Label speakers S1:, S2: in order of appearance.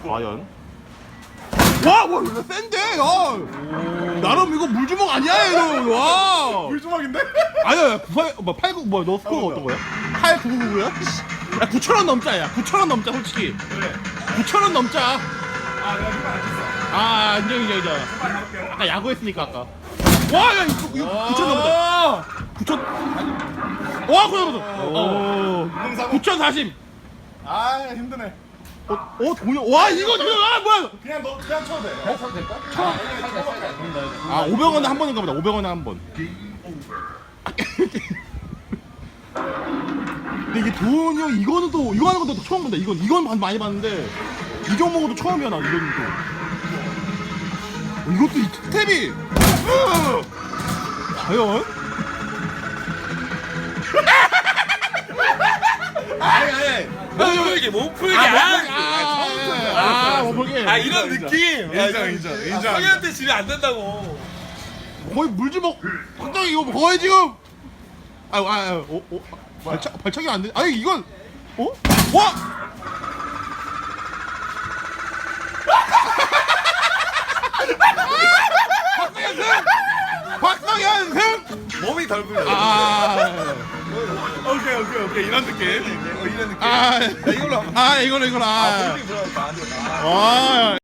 S1: 과연? 와, 와, 이거 센데, 야. 나름 이거 물주먹 아니야, 이거. 와.
S2: 물조막인데?
S1: 아니야, 89, 너 스코어가 어떤 거야? 8999야? 야, 9,000원 넘자, 야. 9,000원 넘자, 솔직히.
S2: 그래.
S1: 9,000원 넘자.
S2: 아 내가 이거 안 했어.
S1: 아, 인정.
S2: 빨리 할게요.
S1: 아까 야구했으니까, 아까. 와, 야, 이거 9,000 넘었다. 9,000. 와, 9,000 넘었다. 9,040.
S2: 아 힘드네.
S1: 동료. 와, 이거, 뭐야.
S2: 그냥 너 그냥 쳐도 돼.
S3: 쳐도 될까?
S1: 아, 500원에 한 번인가 보다. 500원에 한 번. 근데 이게 도훈이 형 이거는 또 이거 하는 것도 처음 본다. 이건 많이 봤는데 이 종목은 또 처음이야 나 이거는 또. 이것도 이 스텝이 과연?
S3: 아니 몸풀기 몸풀기
S1: 몸풀기.
S3: 아 이런 느낌
S2: 인정.
S3: 성현한테 지면 안 된다고.
S1: 거의 물주먹 확장이 이거 거의 지금 발차기 안 돼. 아니 이건 와! 박성현 승!
S3: 몸이 덜 풀려.
S2: 오케이 이런 느낌. 이런 느낌.
S1: 이걸로 이걸로
S3: 몸이 들어가니까 안 돼.
S1: 와.